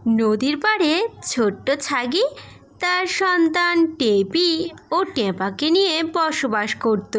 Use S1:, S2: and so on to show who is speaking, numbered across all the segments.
S1: নদীর পাড়ে ছোট্ট ছাগি তার সন্তান টেপি ও টেপাকে নিয়ে বসবাস করত।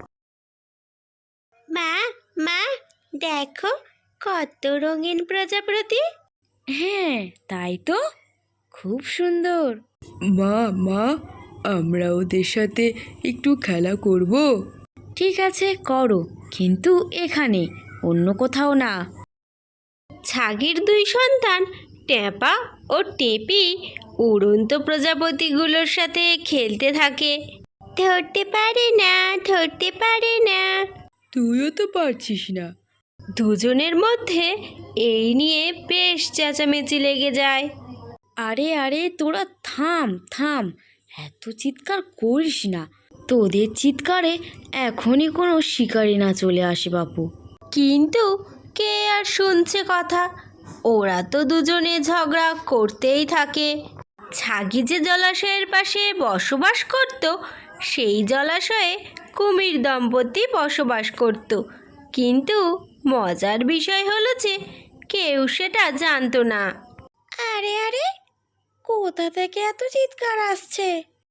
S1: মা মা, দেখো কত রঙিন প্রজাপতি।
S2: হ্যাঁ, তাই তো, খুব সুন্দর।
S3: মা মা, আমরা ওদের সাথে একটু খেলা করব?
S2: ঠিক আছে, করো, কিন্তু এখানে, অন্য কোথাও না।
S1: ছাগির দুই সন্তান টেপা ও টেপি উড়ন্ত প্রজাপতিগুলোর সাথে খেলতে থাকে। ধরতে পারে না, ধরতে পারে না।
S3: তুইও তো পারছিস না।
S1: দুজনের মধ্যে এই নিয়ে বেশ চেঁচামেচি লেগে যায়।
S2: আরে আরে, তোরা থাম থাম, এত চিৎকার করিস না। তোদের চিৎকারে এখনই কোনো শিকারি না চলে আসে বাপু।
S1: কিন্তু কে আর শুনছে কথা, ওরা তো দুজনে ঝগড়া করতেই থাকে। ছাগি যে জলাশয়ের পাশে বসবাস করত, সেই জলাশয়ে কুমির দম্পতি বসবাস করত। কিন্তু মজার বিষয় হলো যে কেউ সেটা জানতো না।
S2: আরে আরে, কোথা থেকে এত চিৎকার আসছে?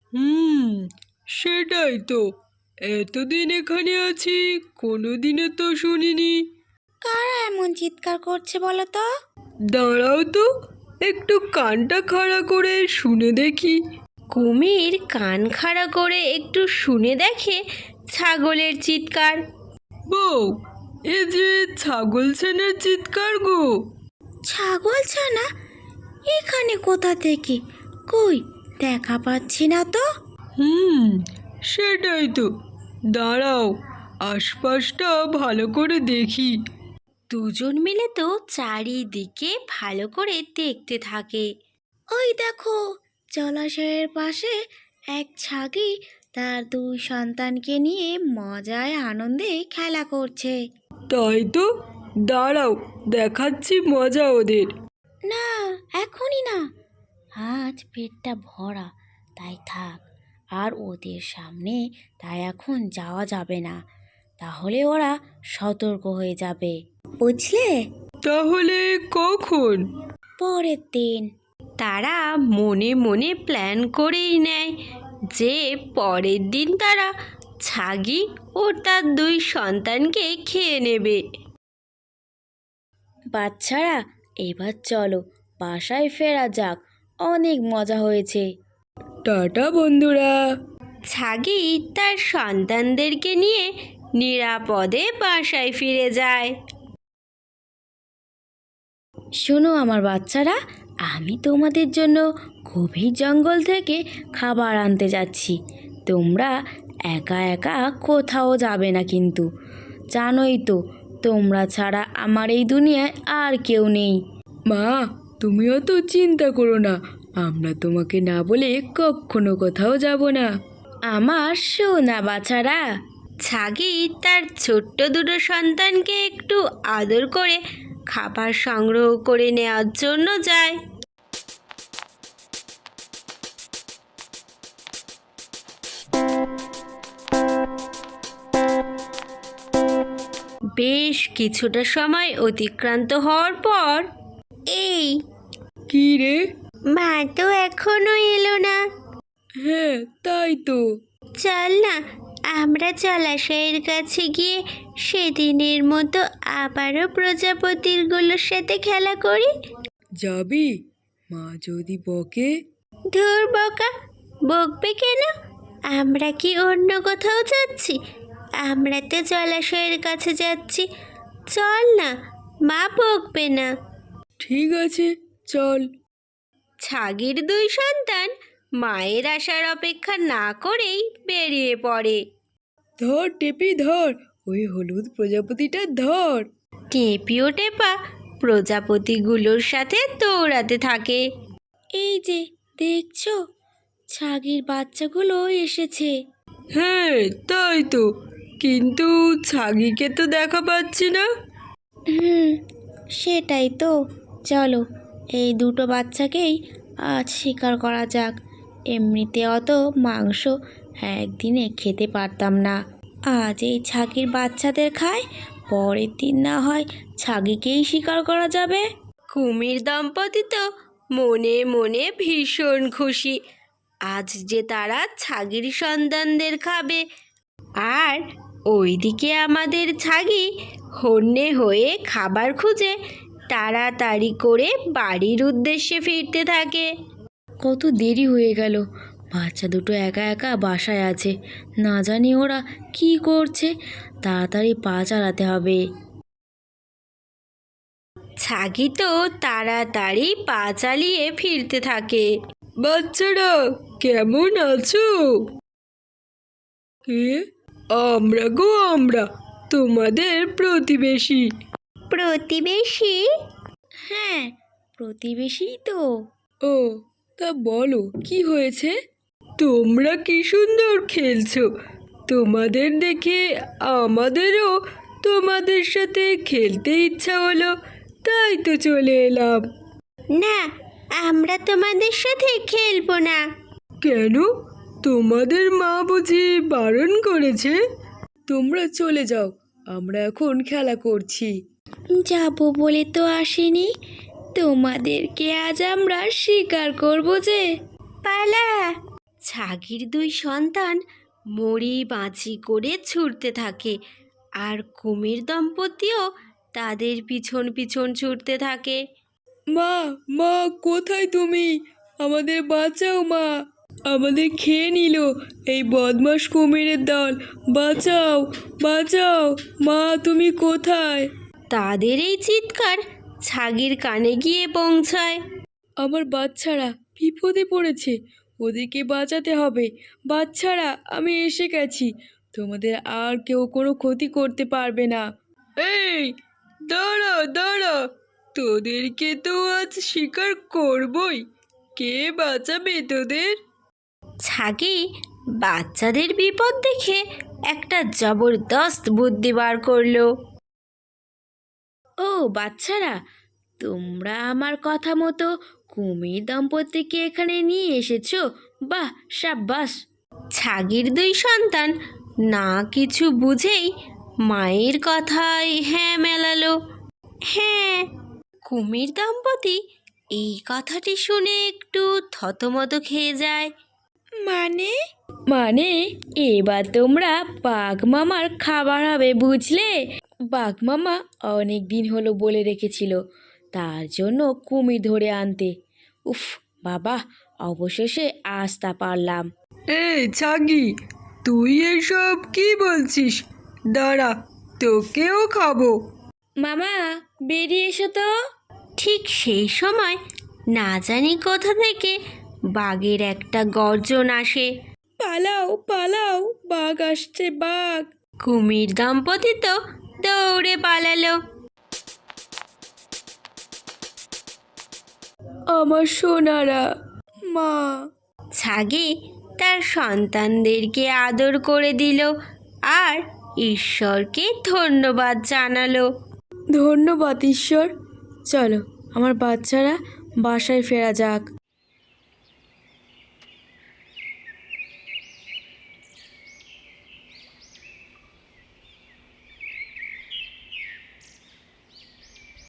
S3: সেটাই তো, এতদিন এখানে আছি, কোনোদিনও তো শুনিনি।
S2: কারা এমন চিৎকার করছে বলো তো?
S3: দাঁড়াও তো, একটু কানটা খাড়া করে শুনে দেখি।
S1: কুমির কান খাড়া করে একটু শুনে দেখে ছাগলের চিৎকার।
S3: বউ, এ যে ছাগল ছানার চিৎকার গো।
S2: ছাগল ছানা? এখানে কোথা থেকে? কই, দেখা পাচ্ছি না তো।
S3: সেটাই তো, দাঁড়াও, আশপাশটা ভালো করে দেখি।
S1: দুজন মিলে তো চারিদিকে ভালো করে দেখতে থাকে।
S2: ওই দেখো, জলাশয়ের পাশে এক ছাগি তার দুই সন্তানকে নিয়ে মজায় আনন্দে খেলা করছে।
S3: তাই তো, দাঁড়াও, দেখাচ্ছি মজা ওদের।
S2: না, এখনই না, আজ পেটটা ভরা, তাই থাক। আর ওদের সামনে তাই এখন যাওয়া যাবে না, তাহলে ওরা সতর্ক হয়ে যাবে, বুঝলে?
S3: তাহলে কখন?
S2: পরের দিন।
S1: তারা মনে মনে প্ল্যান করেই নেয় যে পরের দিন তারা ছাগি ও তার দুই সন্তানকে খেয়ে নেবে।
S2: বাচ্চারা, এবার চলো বাসায় ফেরা যাক, অনেক মজা হয়েছে।
S3: টাটা বন্ধুরা।
S1: ছাগি তার সন্তানদেরকে নিয়ে নিরাপদে বাসায় ফিরে যায়।
S2: শোনো আমার বাচ্চারা, আমি তোমাদের জন্য গভীর জঙ্গল থেকে খাবার আনতে যাচ্ছি। তোমরা একা একা কোথাও যাবে না, কিন্তু জানোই তো, তোমরা ছাড়া আমার এই দুনিয়ায় আর কেউ নেই।
S3: মা, তুমিও তো চিন্তা করো না, আমরা তোমাকে না বলে কখনো কোথাও যাব না।
S2: আমার সোনা বাছারা।
S1: ছাগি তার ছোট্ট দুটো সন্তানকে একটু আদর করে খাবার সংগ্রহ করে নেওয়ার জন্য যায়। বেশ কিছুটা সময় অতিক্রান্ত হওয়ার পর, এই
S3: কি রে?
S1: মা তো এখনো এলো না।
S3: হ্যাঁ, তাই তো।
S1: চল না, আমরা জলাশয়ের কাছে গিয়ে সেদিনের মতো আবারও প্রজাপতিগুলোর সাথে খেলা করি।
S3: যাবি? মা যদি বকে?
S1: ধুর বকা, বকবে কেন? আমরা কি অন্য কোথাও যাচ্ছি? আমরা তো জলাশয়ের কাছে যাচ্ছি। চল না, মা বকবে না।
S3: ঠিক আছে, চল।
S1: ছাগির দুই সন্তান মায়ের আসার অপেক্ষা না করেই বেরিয়ে পড়ে।
S3: ধর টেপি, ধর ওই হলুদ প্রজাপতিটা, ধর।
S1: টেপিও টেপা প্রজাপতিগুলোর সাথে দৌড়াতে থাকে।
S2: এই যে দেখছো, ছাগির বাচ্চাগুলো এসেছে।
S3: হ্যাঁ, তাই তো, কিন্তু ছাগিকে তো দেখা পাচ্ছি না।
S2: সেটাই তো, চলো এই দুটো বাচ্চাকেই আজ শিকার করা যাক। এমনিতে অত মাংস একদিনে খেতে পারতাম না, আজ এই ছাগির বাচ্চাদের খায়, পরের দিন না হয় ছাগিকেই শিকার করা যাবে।
S1: কুমির দম্পতি তো মনে মনে ভীষণ খুশি। আজ যে তারা ছাগির সন্তানদের খাবে। আর ওইদিকে আমাদের ছাগি হন্যে হয়ে খাবার খুঁজে তাড়াতাড়ি করে বাড়ির উদ্দেশ্যে ফিরতে থাকে।
S2: কত দেরি হয়ে গেল, বাচ্চা দুটো একা একা বাসায় আছে, না জানি ওরা কি করছে। তাড়াতাড়ি পা চালাতে হবে।
S1: ছাগি তো তাড়াতাড়ি পা চালিয়ে ফিরতে থাকে।
S3: বাচ্চারা কেমন আছো? কে? আমরা গো আমরা, তোমাদের প্রতিবেশী।
S1: প্রতিবেশী?
S2: হ্যাঁ, প্রতিবেশী তো।
S3: ও, তা বলো কি হয়েছে? তোমরা কি সুন্দর খেলছো, তোমাদের দেখে আমাদেরও তোমাদের সাথে খেলতে ইচ্ছা হলো, তাই তো চলে এলাম।
S1: না, আমরা তোমাদের সাথে খেলবো না।
S3: কেন? তোমাদের মা বুঝি বারণ করেছে? তোমরা চলে যাও, আমরা এখন খেলা করছি।
S2: যাব বলে তো আসিনি, তোমাদেরকে আজ আমরা শিকার করব যে।
S1: পালা! ছাগির দুই সন্তান মরি বাঁচি করে ছুটতে থাকে, আর কুমির দম্পতিও তাদের পিছন পিছন ছুটতে থাকে।
S3: মা, মা কোথায় তুমি? আমাদের বাঁচাও মা, আমাদের খেয়ে নিল এই বদমাস কুমিরের দল, বাঁচাও বাঁচাও, মা তুমি কোথায়?
S1: তাদের এই চিৎকার ছাগির কানে গিয়ে পৌঁছায়।
S3: আমার বাচ্চারা বিপদে পড়েছে, ওদেরকে বাঁচাতে হবে। বাচ্চারা আমি এসে গেছি, তোমাদের আর কেউ কোনো ক্ষতি করতে পারবে না। এই দাঁড়া দাঁড়া, তোদেরকে তো আজ শিকার করবই, কে বাঁচাবে তোদের?
S1: ছাগি বাচ্চাদের বিপদ দেখে একটা জবরদস্ত বুদ্ধি বার করলো।
S2: ও বাচ্চারা, তোমরা আমার কথা মতো কুমির দম্পতিকে এখানে নিয়ে এসেছো, বাহ সাব্বাস।
S1: ছাগির দুই সন্তান না কিছু বুঝেই মায়ের কথায় হ্যাঁ মেলালো। হ্যাঁ, কুমির দম্পতি এই কথাটি শুনে একটু থতমত খেয়ে যায়।
S2: মানে মানে এবার তোমরা বাঘ মামার খাবার হবে, বুঝলে? বাঘ মামা অনেক দিন হলো বলে রেখেছিল তার জন্য কুমির ধরে আনতে। উফ বাবা, অবশেষে আজ তা পারলাম।
S3: এই ছাগি, তুই এসব কি বলছিস? দাঁড়া, তোকেও খাবো।
S2: মামা বেরিয়ে এসো তো।
S1: ঠিক সেই সময় না জানি কোথা থেকে বাঘের একটা গর্জন আসে।
S2: পালাও পালাও, বাঘ আসছে বাঘ।
S1: কুমির দম্পতি তো দৌড়ে পালালো।
S3: আমার সোনারা, মা।
S1: ছাগি তার সন্তানদেরকে আদর করে দিল আর ঈশ্বরকে ধন্যবাদ জানালো।
S3: ধন্যবাদ ঈশ্বর। চলো আমার বাচ্চারা, বাসায় ফেরা যাক।